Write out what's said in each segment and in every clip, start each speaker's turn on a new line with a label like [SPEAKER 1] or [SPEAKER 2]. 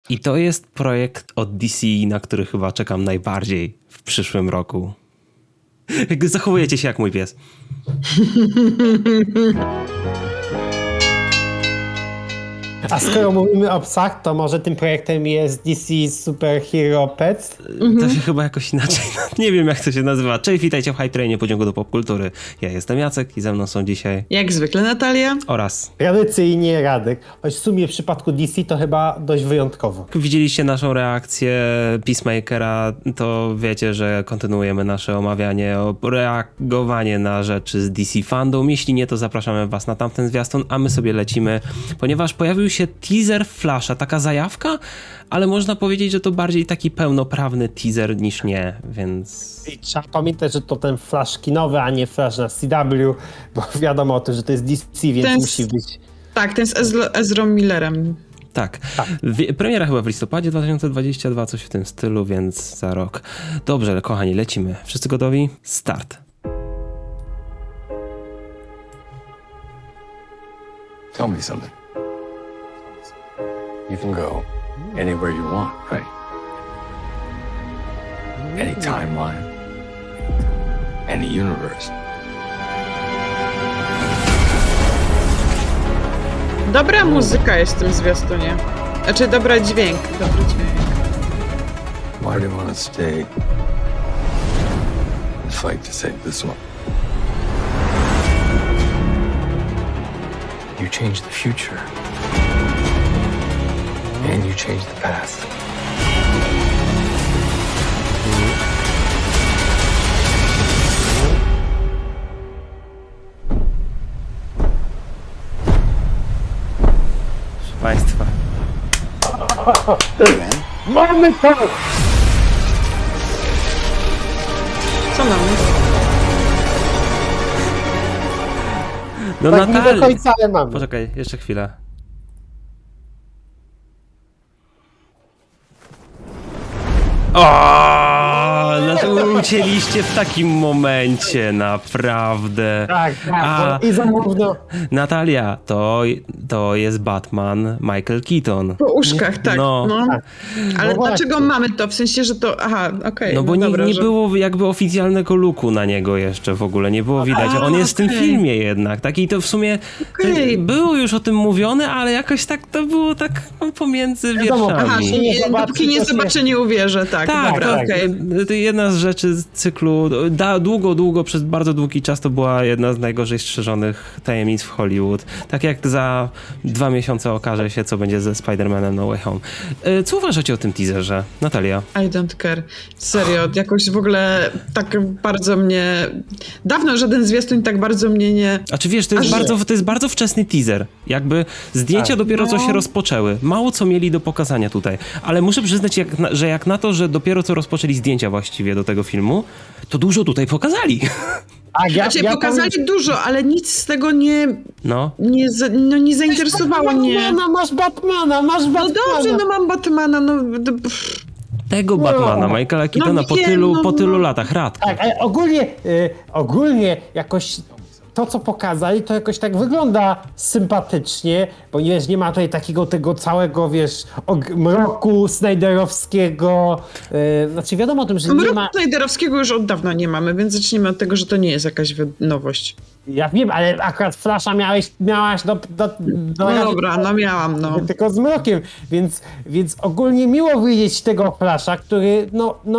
[SPEAKER 1] I to jest projekt od DC, na który chyba czekam najbardziej w przyszłym roku. Zachowujecie się jak mój pies.
[SPEAKER 2] A skoro mówimy o psach, to może tym projektem jest DC Super Hero Pets?
[SPEAKER 1] To się chyba jakoś inaczej, nie wiem jak to się nazywa. Cześć, witajcie w Hype Trainie Pociągu do Popkultury. Ja jestem Jacek i ze mną są dzisiaj
[SPEAKER 3] Jak zwykle Natalia.
[SPEAKER 1] oraz...
[SPEAKER 2] Tradycyjnie Radek, choć w sumie w przypadku DC to chyba dość wyjątkowo.
[SPEAKER 1] Jak widzieliście naszą reakcję Peacemakera, to wiecie, że kontynuujemy nasze omawianie, reagowanie na rzeczy z DC Fandom. Jeśli nie, to zapraszamy was na tamten zwiastun, a my sobie lecimy, ponieważ pojawił się teaser Flasha, taka zajawka, ale można powiedzieć, że to bardziej taki pełnoprawny teaser niż nie, więc...
[SPEAKER 2] I trzeba pamiętać, że to ten Flash kinowy, a nie Flash na CW, bo wiadomo o tym, że to jest DC, więc
[SPEAKER 3] Ten
[SPEAKER 2] musi być...
[SPEAKER 3] Tak, ten z Ezrą Millerem.
[SPEAKER 1] Tak. Premiera chyba w listopadzie 2022, coś w tym stylu, więc za rok. Dobrze, kochani, lecimy. Wszyscy gotowi? Start.
[SPEAKER 4] Tell me something. You can go anywhere you want, right? Any timeline, any universe.
[SPEAKER 3] Dobra muzyka jest w tym zwiastunie. Znaczy, dobry dźwięk.
[SPEAKER 4] Why do you want to stay and fight to save this one? You change the future. And you change the past.
[SPEAKER 1] Proszę Państwa.
[SPEAKER 2] Mamy to!
[SPEAKER 3] Co mamy?
[SPEAKER 1] No
[SPEAKER 2] Tak nie do
[SPEAKER 1] Natalia.
[SPEAKER 2] końca, ale mamy.
[SPEAKER 1] Poczekaj, jeszcze chwilę. O, dlaczego ucięliście w takim momencie, naprawdę.
[SPEAKER 2] Tak,
[SPEAKER 1] A,
[SPEAKER 2] bo i zamówno...
[SPEAKER 1] Natalia, to jest Batman Michael Keaton.
[SPEAKER 3] Po uszkach, tak.
[SPEAKER 1] No.
[SPEAKER 3] No.
[SPEAKER 2] Tak.
[SPEAKER 3] Ale
[SPEAKER 2] No
[SPEAKER 3] dlaczego
[SPEAKER 2] właśnie.
[SPEAKER 3] mamy to? W sensie, że to... Aha, okej.
[SPEAKER 1] No bo
[SPEAKER 3] dobra,
[SPEAKER 1] nie
[SPEAKER 3] że...
[SPEAKER 1] było jakby oficjalnego looku na niego jeszcze w ogóle, nie było widać. On jest w tym
[SPEAKER 3] okej.
[SPEAKER 1] filmie jednak, tak? I to w sumie
[SPEAKER 3] Okej.
[SPEAKER 1] było już o tym mówione, ale jakoś tak to było tak pomiędzy
[SPEAKER 2] Wiadomo,
[SPEAKER 1] wierszami.
[SPEAKER 3] Aha,
[SPEAKER 2] nie zobaczy,
[SPEAKER 3] dopóki nie
[SPEAKER 2] to się-
[SPEAKER 3] zobaczę, nie uwierzę, tak.
[SPEAKER 1] Tak,
[SPEAKER 3] Dobra,
[SPEAKER 1] tak.
[SPEAKER 3] okej.
[SPEAKER 1] To jedna z rzeczy z cyklu, długo, przez bardzo długi czas to była jedna z najgorzej strzeżonych tajemnic w Hollywood. Tak jak za 2 miesiące okaże się, co będzie ze Spider-Manem No Way Home. Co uważacie o tym teaserze? Natalia?
[SPEAKER 3] I don't care. Serio, jakoś w ogóle tak bardzo mnie... Dawno żaden zwiastun tak bardzo mnie nie...
[SPEAKER 1] A czy wiesz, to jest, to jest bardzo wczesny teaser. Jakby zdjęcia
[SPEAKER 2] Tak.
[SPEAKER 1] dopiero co się rozpoczęły. Mało co mieli do pokazania tutaj. Ale muszę przyznać, że jak na to, że dopiero co rozpoczęli zdjęcia właściwie do tego filmu, to dużo tutaj pokazali.
[SPEAKER 2] Tak,
[SPEAKER 3] Znaczy, pokazali dużo, ale nic z tego
[SPEAKER 1] No.
[SPEAKER 3] nie zainteresowało mnie.
[SPEAKER 2] Masz Batmana, masz
[SPEAKER 3] No
[SPEAKER 2] Batmana.
[SPEAKER 3] dobrze, no mam Batmana, no...
[SPEAKER 1] Tego Batmana, Michaela Keatona
[SPEAKER 3] wiem,
[SPEAKER 1] po tylu latach. Radko.
[SPEAKER 2] Tak, ale ogólnie jakoś to, co pokazali, to jakoś tak wygląda sympatycznie, bo nie ma tutaj takiego tego całego, mroku Snyderowskiego. Znaczy wiadomo o tym, że nie
[SPEAKER 3] Mroku
[SPEAKER 2] ma...
[SPEAKER 3] Snyderowskiego już od dawna nie mamy, więc zacznijmy od tego, że to nie jest jakaś nowość.
[SPEAKER 2] Ja wiem, ale akurat Flasha miałaś do
[SPEAKER 3] No dobra, no miałam, no.
[SPEAKER 2] tylko z mrokiem, więc ogólnie miło widzieć tego Flasha, który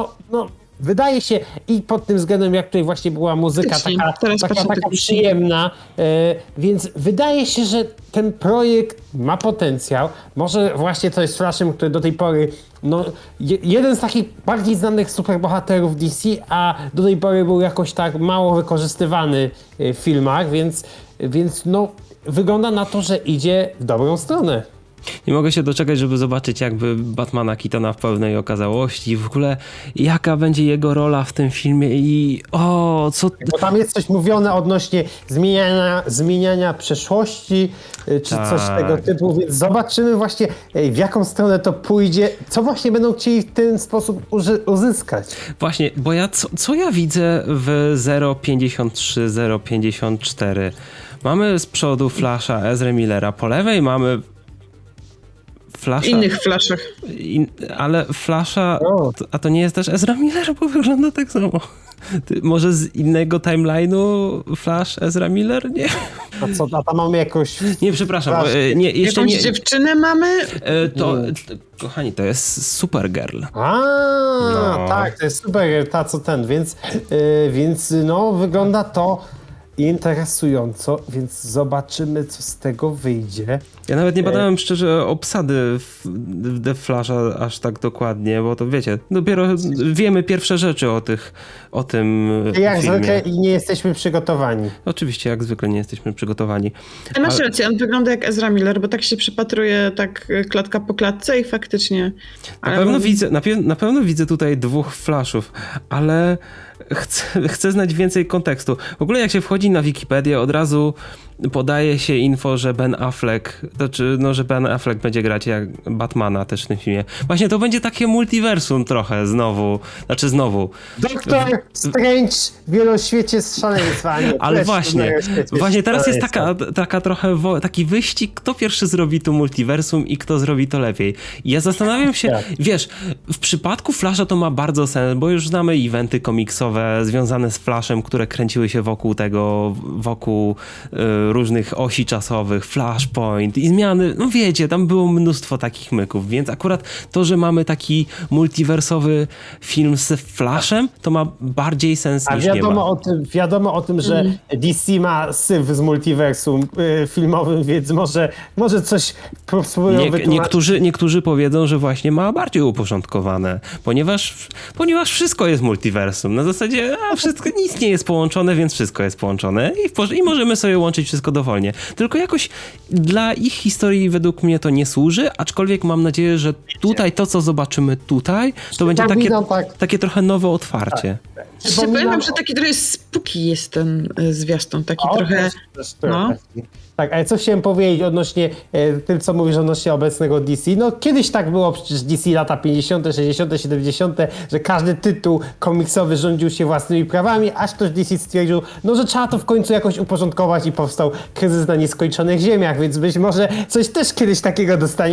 [SPEAKER 2] wydaje się i pod tym względem, jak tutaj właśnie była muzyka
[SPEAKER 3] Faktycznie, teraz patrzę
[SPEAKER 2] taka
[SPEAKER 3] technicznie.
[SPEAKER 2] przyjemna, więc wydaje się, że ten projekt ma potencjał. Może właśnie to jest Flashem, który do tej pory, jeden z takich bardziej znanych superbohaterów DC, a do tej pory był jakoś tak mało wykorzystywany w filmach, więc wygląda na to, że idzie w dobrą stronę.
[SPEAKER 1] Nie mogę się doczekać, żeby zobaczyć jakby Batmana Keatona w pełnej okazałości. W ogóle jaka będzie jego rola w tym filmie i
[SPEAKER 2] Bo tam jest coś mówione odnośnie zmieniania przeszłości, czy coś tego typu, więc zobaczymy właśnie w jaką stronę to pójdzie, co właśnie będą chcieli w ten sposób uzyskać.
[SPEAKER 1] Właśnie, bo co ja widzę w 053, 054? Mamy z przodu Flasha, Ezra Millera, po lewej mamy Flasha...
[SPEAKER 3] innych Flashach.
[SPEAKER 1] Ale Flasha...
[SPEAKER 2] O.
[SPEAKER 1] A to nie jest też Ezra Miller, bo wygląda tak samo. Może z innego timeline'u Flash, Ezra Miller? Nie.
[SPEAKER 2] A tam mamy jakąś...
[SPEAKER 1] Nie, przepraszam.
[SPEAKER 2] Flash.
[SPEAKER 1] Nie, jeszcze
[SPEAKER 3] Jakąś
[SPEAKER 1] nie...
[SPEAKER 3] dziewczynę mamy?
[SPEAKER 1] Kochani, to jest Supergirl.
[SPEAKER 2] A, tak, to jest super, ta co ten, więc no wygląda to interesująco, więc zobaczymy, co z tego wyjdzie.
[SPEAKER 1] Ja nawet nie badałem szczerze obsady w The Flasha aż tak dokładnie, bo to wiecie, dopiero wiemy pierwsze rzeczy o tym
[SPEAKER 2] Jak
[SPEAKER 1] filmie.
[SPEAKER 2] zwykle i nie jesteśmy przygotowani.
[SPEAKER 1] Oczywiście, jak zwykle nie jesteśmy przygotowani.
[SPEAKER 3] Ale masz rację, on wygląda jak Ezra Miller, bo tak się przypatruje tak klatka po klatce i faktycznie...
[SPEAKER 1] Na pewno widzę tutaj 2 Flashów, ale chcę znać więcej kontekstu. W ogóle jak się wchodzi na Wikipedię, od razu podaje się info, że Ben Affleck, że Ben Affleck będzie grać jak Batmana też w tym filmie. Właśnie to będzie takie multiversum trochę znowu.
[SPEAKER 2] Doktor Strange w wieloświecie z szaleństwa. Nie,
[SPEAKER 1] Ale
[SPEAKER 2] też
[SPEAKER 1] właśnie teraz jest taka trochę taki wyścig, kto pierwszy zrobi tu multiversum i kto zrobi to lepiej. I ja zastanawiam się,
[SPEAKER 2] Tak.
[SPEAKER 1] wiesz, w przypadku Flasha to ma bardzo sens, bo już znamy eventy komiksowe związane z Flashem, które kręciły się wokół różnych osi czasowych, Flashpoint i zmiany, no wiecie, tam było mnóstwo takich myków, więc akurat to, że mamy taki multiversowy film z Flashem, to ma bardziej sens
[SPEAKER 2] A
[SPEAKER 1] niż nie ma.
[SPEAKER 2] wiadomo o tym, że DC ma syf z multiversum filmowym, więc może coś spróbują wytłumaczyć.
[SPEAKER 1] Niektórzy powiedzą, że właśnie ma bardziej uporządkowane, ponieważ wszystko jest multiversum. Na zasadzie nic nie jest połączone, więc wszystko jest połączone i możemy sobie łączyć wszystko dowolnie. Tylko jakoś dla ich historii według mnie to nie służy, aczkolwiek mam nadzieję, że tutaj to, co zobaczymy tutaj, to będzie takie trochę nowe otwarcie.
[SPEAKER 3] Pamiętam, że taki trochę spooky jest ten zwiastun, taki trochę...
[SPEAKER 2] No. Tak, ale co chciałem powiedzieć odnośnie tym, co mówisz odnośnie obecnego DC. No kiedyś tak było przecież DC lata 50., 60., 70., że każdy tytuł komiksowy rządził się własnymi prawami, aż ktoś DC stwierdził, no że trzeba to w końcu jakoś uporządkować i powstał kryzys na nieskończonych ziemiach, więc być może coś też kiedyś takiego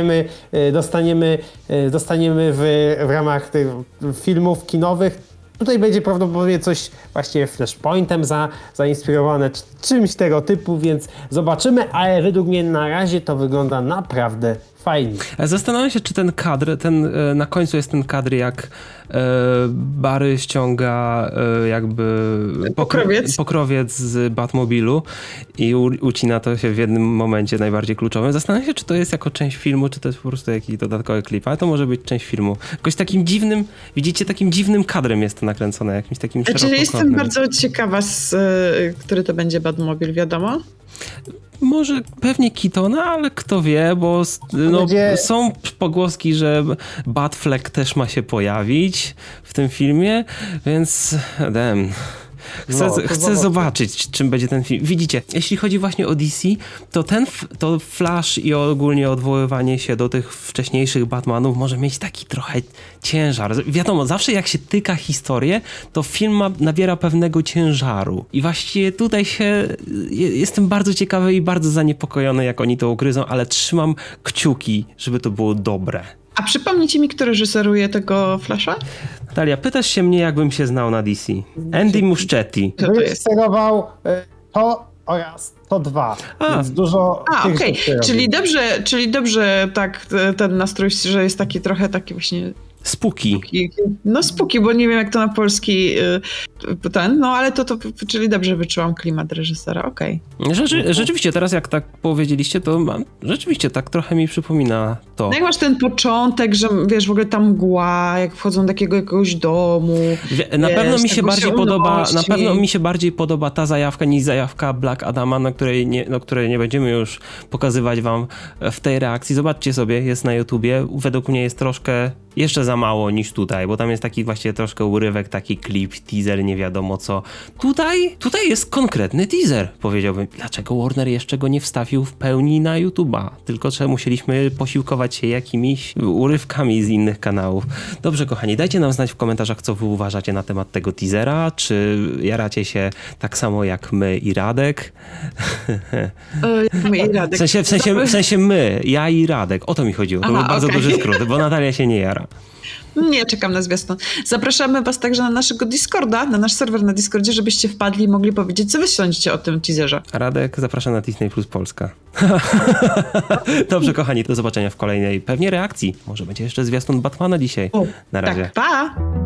[SPEAKER 2] dostaniemy w ramach tych filmów kinowych. Tutaj będzie prawdopodobnie coś właśnie Flashpointem zainspirowane, czymś tego typu, więc zobaczymy, ale według mnie na razie to wygląda naprawdę fajnie.
[SPEAKER 1] Zastanawiam się, czy ten kadr, na końcu jest ten kadr, jak Barry ściąga jakby pokrowiec z Batmobilu i ucina to się w jednym momencie najbardziej kluczowym. Zastanawiam się, czy to jest jako część filmu, czy to jest po prostu jakiś dodatkowy klip, ale to może być część filmu. Jakoś takim dziwnym, widzicie, takim dziwnym kadrem jest to nakręcone, jakimś takim
[SPEAKER 3] Czyli jestem bardzo ciekawa, który to będzie Batmobil, wiadomo?
[SPEAKER 1] Może pewnie Keatona, ale kto wie, bo są pogłoski, że Batfleck też ma się pojawić w tym filmie, więc chcę zobaczyć, czym będzie ten film. Widzicie, jeśli chodzi właśnie o DC, to Flash i ogólnie odwoływanie się do tych wcześniejszych Batmanów może mieć taki trochę ciężar. Wiadomo, zawsze jak się tyka historię, to film nabiera pewnego ciężaru. I właściwie tutaj jestem bardzo ciekawy i bardzo zaniepokojony, jak oni to ugryzą, ale trzymam kciuki, żeby to było dobre.
[SPEAKER 3] A przypomnijcie mi, kto reżyseruje tego Flasha?
[SPEAKER 1] Natalia, pytasz się mnie, jakbym się znał na DC. Andy Muschietti.
[SPEAKER 3] Co to jest?
[SPEAKER 2] Reżyserował to oraz to 2. Więc dużo
[SPEAKER 3] Okej. Czyli dobrze tak ten nastrój, że jest taki trochę taki właśnie...
[SPEAKER 1] Spooky.
[SPEAKER 3] No spooky, bo nie wiem jak to na polski ale czyli dobrze wyczułam klimat reżysera, okej.
[SPEAKER 1] Rzeczywiście, teraz jak tak powiedzieliście, to rzeczywiście tak trochę mi przypomina to.
[SPEAKER 3] No jak masz ten początek, że wiesz, w ogóle ta mgła, jak wchodzą do jakiegoś domu.
[SPEAKER 1] Na pewno mi się bardziej podoba ta zajawka niż zajawka Black Adama, której nie będziemy już pokazywać wam w tej reakcji. Zobaczcie sobie, jest na YouTubie. Według mnie jest troszkę jeszcze za mało niż tutaj, bo tam jest taki właśnie troszkę urywek, taki klip, teaser, nie wiadomo co. Tutaj jest konkretny teaser, powiedziałbym. Dlaczego Warner jeszcze go nie wstawił w pełni na YouTube'a? Tylko że musieliśmy posiłkować się jakimiś urywkami z innych kanałów. Dobrze, kochani, dajcie nam znać w komentarzach, co wy uważacie na temat tego teasera. Czy jaracie się tak samo jak my i Radek?
[SPEAKER 3] I Radek.
[SPEAKER 1] W sensie my, ja i Radek. O to mi chodziło. To
[SPEAKER 3] Aha,
[SPEAKER 1] był bardzo
[SPEAKER 3] okej.
[SPEAKER 1] duży skrót, bo Natalia się nie jara.
[SPEAKER 3] Nie, czekam na zwiastun. Zapraszamy was także na naszego Discorda, na nasz serwer na Discordzie, żebyście wpadli i mogli powiedzieć, co wy sądzicie o tym teaserze.
[SPEAKER 1] A Radek zaprasza na Disney Plus Polska. Dobrze, kochani, do zobaczenia w kolejnej pewnie reakcji. Może będzie jeszcze zwiastun Batmana dzisiaj. Na razie.
[SPEAKER 3] Tak, pa!